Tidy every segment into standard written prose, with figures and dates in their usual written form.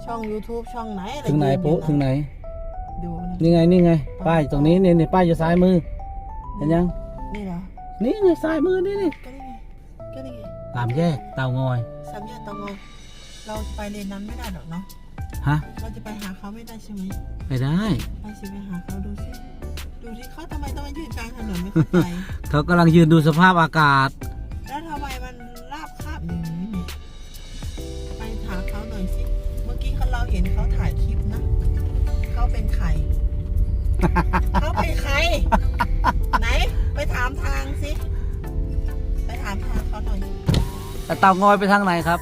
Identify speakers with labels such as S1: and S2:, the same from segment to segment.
S1: ช่อง YouTube ช่องไหนอะไร
S2: ถึงไหน
S1: ยื
S2: ปุ๊
S1: อยู่ะ
S2: ถึงไหน
S1: ดู
S2: นี่ไงป้ายตรงนี้นี่ป้ายอยู่ซ้ายมือเห็นยัง
S1: นี่เหรอ
S2: นี่ไงซ้ายมือนี่
S1: ก็นี่ไง
S2: ตามแยกเตางอย
S1: สามแยกเตางอยเราไปเลนนั้นไม่ได้หรอกเนาะ
S2: ฮะ
S1: เราจะไปหาเขาไม่ได้ใช่ไหม
S2: ไม่ได้
S1: ไปสิไปหาเขาดูสิดูที่เขาทำไมต้องมายืนกลางถนนไม่เข้าใจ
S2: เขากำลังยืนดูสภาพอากาศ
S1: แล้วทำไมมันราบคาบอย่างนี้เนี่ยไปถามเขาหน่อยสิเมื่อกี้เราเห็นเขาถ่ายคลิปนะเขาเป็นใคร เขาเป็นใคร ไหนไปถามทางสิไปถามทางเขาหน่อย
S2: แต่เตางอยไปทางไหนครับ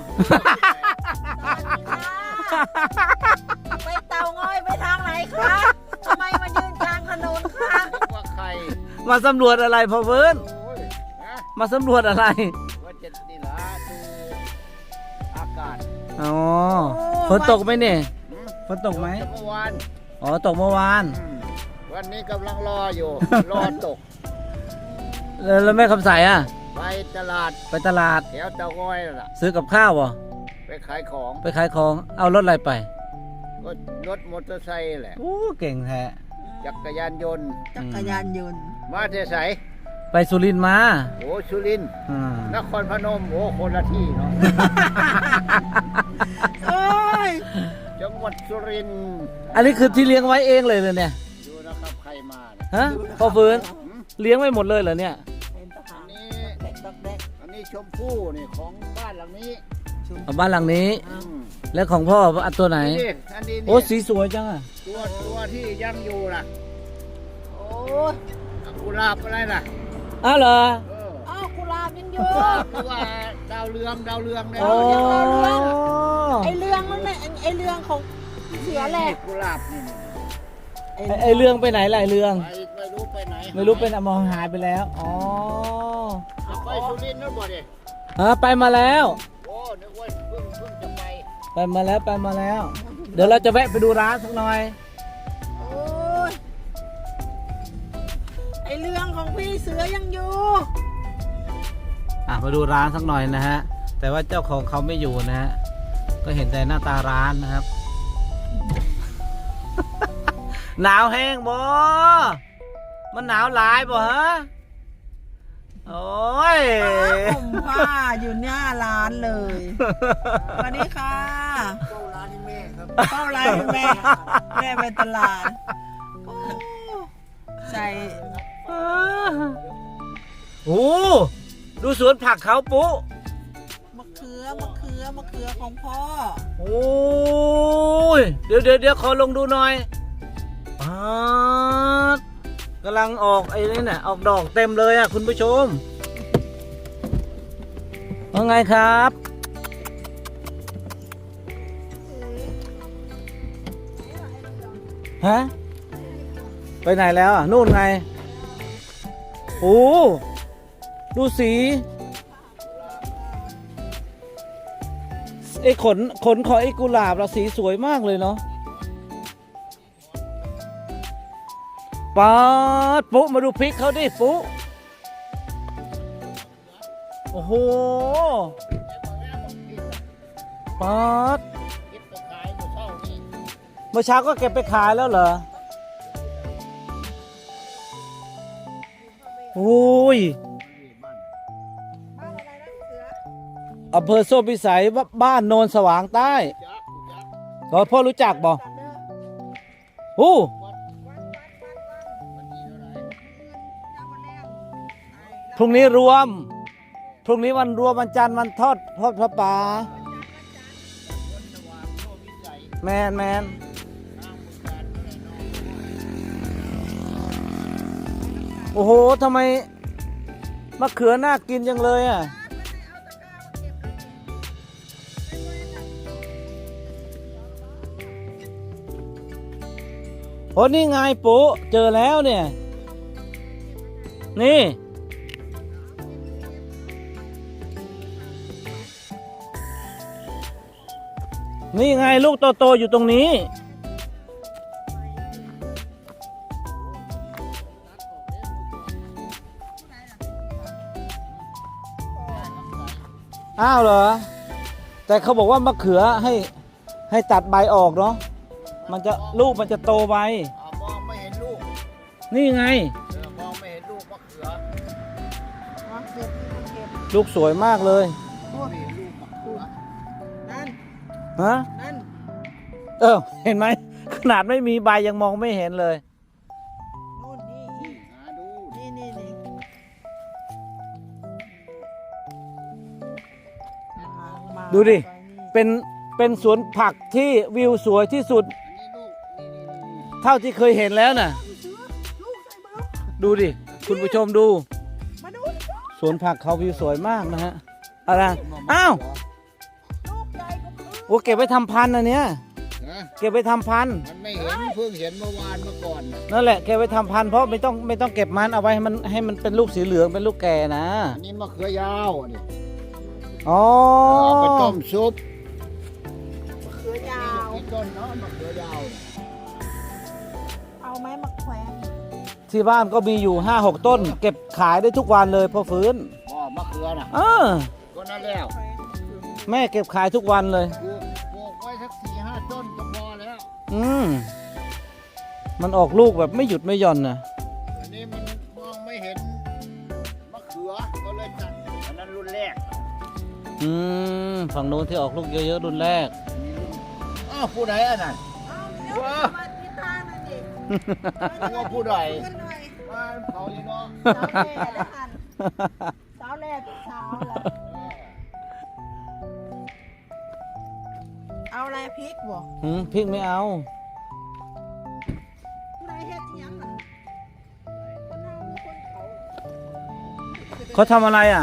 S1: ไปเตางอยไปทางไหนคะทำไมมายืนกลางถนนคะ
S3: ว่าใคร
S2: มาสำรวจอะไรพ่อเวิร์น
S3: โอ้ยนะ
S2: มาสำรวจอะไร
S3: ว่าจะนี่ละดูอากาศ
S2: อ๋อฝนตกไหมเนี่ย
S3: หืม
S2: ฝนตกไหม
S3: เมื่อวาน
S2: อ๋อตกเมื่อวาน
S3: วันนี้กำลังรออยู่ รอตก
S2: แล้วแม่คำใสอ่ะ
S3: ไปตลาด
S2: ไปตลาด
S3: แถวเตางอยนั่นล่ะ
S2: ซื้อกับข้าวเหรอ
S3: ไปขายของ
S2: ไปขายของเอารถอะไรไป
S3: ก็รถมอเตอร์ไซค์แหละ
S2: โอ้เก่งแท้
S3: จักรยานยนต์
S1: จักรยานยนต์
S3: มาเทไสย
S2: ไปสุรินทร์มา
S3: โอ้สุรินทร์
S2: อืม
S3: นครพนมโอ้คนละที่เนาะ
S1: โอ้ย
S3: จังหวัดสุรินทร์
S2: อันนี้คือที่เลี้ยงไว้เองเลยเนี่ย
S3: ดูนะครับใครมาเนี่ย
S2: ฮะพ่อฟื้น
S3: หืม
S2: เลี้ยงไว้หมดเลยเหรอเนี่ย
S1: เป็นทหา
S3: อั
S1: ร
S3: นนี้
S1: เด็กดอกเด็ก
S3: อันนี้ชมพู่นี่ของบ้านหลังนี้
S2: เอาบ้านหลังนี้
S3: อืม
S2: แล้วของพ่ออันตัวไหน
S3: นี่อันนี้
S2: โอ้
S3: นี่
S2: สีสวยจังอ่ะ
S3: ตัวที่ยังอยู่ล่ะ
S1: โอ้ย
S3: กุหลาบอะไรล่ะ
S2: อ้าวเหรอ
S3: เออ
S1: อ้าวกุหลาบยังอยู่
S3: หรือว่าดาวเรืองเนี่ย
S2: โอ้
S1: ไอเรื่องนั่นแหละไอเรื่องของเสือแหละ
S3: กุหลาบนี่
S2: ไอเรื่องไปไหนล่ะไอเรื่อง
S3: ไม่รู้ไปไหน
S2: ไม่รู้เป็นมองหายไปแล้ว อ๋อ
S3: จะไปสุรินทร์นั่นบ่ดิ
S2: ไปมาแล้ว
S3: โอ้นึกว่าเพิ่งจะไป
S2: ไปมาแล้ว เดี๋ยวเราจะแวะไปดูร้านสักหน่อย
S1: โอ้ยไอเรื่องของพี่เสือยังอยู่
S2: มาดูร้านสักหน่อยนะฮะ แต่ว่าเจ้าของเขาไม่อยู่นะฮะ ก็เห็นแต่หน้าตาร้านนะครับ หนาวแห้งบ่ มันหนาวหลายบ่ฮะ โอ้ย
S1: ผมผ้าอยู่หน้าร้านเลยสวัสดีค่ะ
S3: เข้าร้านนี่แม่ครับ
S1: เข้าร้านแม่แม่ไปตลาดโอ้ใส่
S2: โอ้ดูสวนผักเขาปุ๊
S1: มะเขือของพ่อ
S2: โอ้ยเดี๋ยวขอลงดูหน่อยป๊าดกำลังออกไอ้นี่น่ะออกดอกเต็มเลยอ่ะคุณผู้ชมว่าไงครับ ฮะ ไปไหนแล้วอ่ะ นู่นไง โอ้ดูสีไอ้ขนของไอ้กุหลาบเราสีสวยมากเลยเนาะป๊าดปุ๊มาดูพริกเขาดิปุ๊โอ้โหป๊าด
S3: คิดไปขายหมูเช่านี่
S2: เมื่อเช้าก็เก็บไปขายแล้วเหรอโอ้ย
S1: บ้านอะไรนะเสือ
S2: อำเภอโซ่พิสัยบ้านโนนสว่างใต้
S3: ยักษ์
S2: เราพ่อรู้จักบ่
S1: ตัดเด้อ
S2: โอ้
S3: วันที่เท่าไหร่
S1: ยังวันแรก
S2: พรุ่งนี้รวม พรุ่งนี้วันรวมวันจันทร์วันทอดพระป่า
S3: วันสว่างโลกวิสัย
S2: แมน
S3: ทางบุญการอะไรเนาะ
S2: โอ้โหทำไมมะเขือน่ากินจังเลยอ่ะโอ้นี่ไงปุ๊เจอแล้วเนี่ย นี่ นี่ไงลูกโตๆอยู่ตรงนี้ อ้าวเหรอ แต่เขาบอกว่ามะเขือให้ตัดใบออกเนาะมันจะลูกมันจะโตไว
S3: มองไม่เห็นลูก
S2: นี่ไง
S3: มองไม่เห็นลูกมะเขือ
S1: มาเก็บมาเก็บ
S2: ลูกสวยมากเลย
S1: นู่น
S3: ไม่เห็นลูกมะเขือ
S1: นั่น
S2: ฮะ
S1: นั่น
S2: เห็นไหมขนาดไม่มีใบยังมองไม่เห็นเลย
S1: นู่นนี่
S3: หาดู
S1: นี่มา
S2: ดูดิ
S1: ไปนี่
S2: เป็นสวนผักที่วิวสวยที่สุด
S3: อันนี้ลูกนี่
S2: เท่าที่เคยเห็นแล้วน่ะ
S1: ลูกใส่มาแล้ว
S2: ดูดิ คุณผู้ชมดู
S1: มาดู
S2: สวนผักเขาวิวสวยมากนะฮะอะไรอ้าว
S1: ลูกใหญ่กว่าพื้น
S2: โอ้เก็บไว้ทำพันธุ์อันเนี้ย
S3: นะ
S2: เก็บไว้ทำพันธุ์
S3: มันไม่เห็นเพิ่งเห็นเมื่อวานเมื่อก่อนน่ะ
S2: นั่นแหละเก็บไว้ทำพันธุ์เพราะไม่ต้องเก็บมันเอาไว้ให้มันเป็นลูกสีเหลืองเป็นลูกแก่นะ
S3: อันนี้มะเขือยาวอันนี้
S2: อ๋อ
S3: เอาไปต้มซุป
S1: มะเขือยาว
S3: กินต้นเนาะมะเขือยาวเนี่ย
S1: เอาไหมมะแขวน
S2: ที่บ้านก็มีอยู่ 5-6 ต้น เก็บขายได้ทุกวันเลยพอฟื้น
S3: อ๋อมะเขือน่ะ
S2: เออ
S3: ก็นั่นแล้ว
S1: แขวน
S2: แม่เก็บขายทุกวันเลย
S3: ปลูกไว้สัก4-5 ต้นก็พอแล้ว
S2: มันออกลูกแบบไม่หยุดไม่หย่อนนะ
S3: อันนี้มันมองไม่เห็นมะเขือก็เลยตัดอันนั้นรุ่นแรก
S2: ฝั่งโน้นที่ออกลูกเยอะๆรุ่นแรก
S3: อ้าวผู้ใดอันนั้น
S1: เอาเดี๋ยว
S3: ว้า
S1: มาที่ทางนั่นดิ
S3: ว่าผู้ใด
S1: ขึ้นหน่อย
S3: บ้านเขาอยู่เนาะ
S1: สาวแม่ได้หันสาวแรกสาวแหละเอาอะไรพริกบ่
S2: พริกไม่เอา
S1: ผู้ใดเฮ็ดอิหยังน่ะคนเฮามีคนเขา
S2: เขาทำอะไรอ่ะ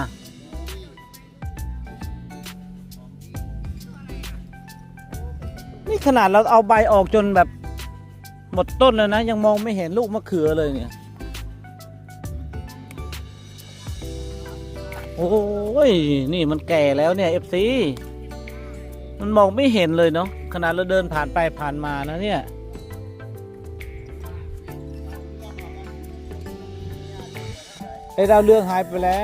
S2: นี่ขนาดเราเอาใบออกจนแบบหมดต้นแล้วนะ ยังมองไม่เห็นลูกมะเขือเลยเนี่ย โอ้ย นี่มันแก่แล้วเนี่ย FC มันมองไม่เห็นเลยเนาะขนาดเราเดินผ่านไปผ่านมานะเนี่ย ไอ้ดาวเรืองหายไปแล้ว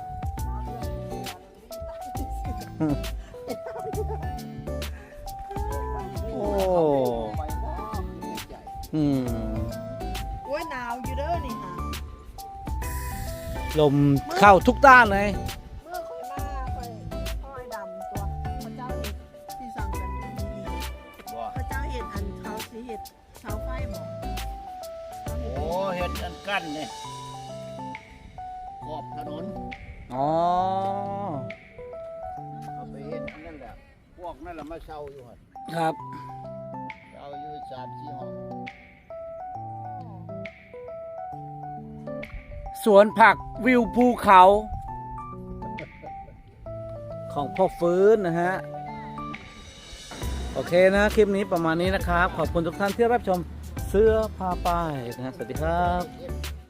S2: โอ้
S3: ไปบ่คือในใจ
S1: โอ้ยหนาวอยู่เด้อนี่ค่ะ
S2: ลมเข้าทุกด้านเลย
S1: เมื่อค่อยมาค่อยดำตัวพระเจ้าเห็ดที่สั่งกันอยู่นี่
S3: บ่
S1: พระเจ้าเห็ดอันเขาสิเห็ดเสาไฟบอก
S3: โอ้เห็ดอันกั้นเนี่ยขอบถนน
S2: อ๋อ
S3: เอาไปเห็ดอันนั่นแหละพวกนั่นแหละมาเช่าอยู่หั่น
S2: ครับ
S3: เช่าอยู่3-4 ห้อง
S2: สวนผักวิวภูเขา ของพ่อฟื้นนะฮะ โอเคนะ คลิปนี้ประมาณนี้นะครับ ขอบคุณทุกท่านที่รับชมเสื้อผ้าป้ายนะฮะสวัสดีครับ
S3: เห็ด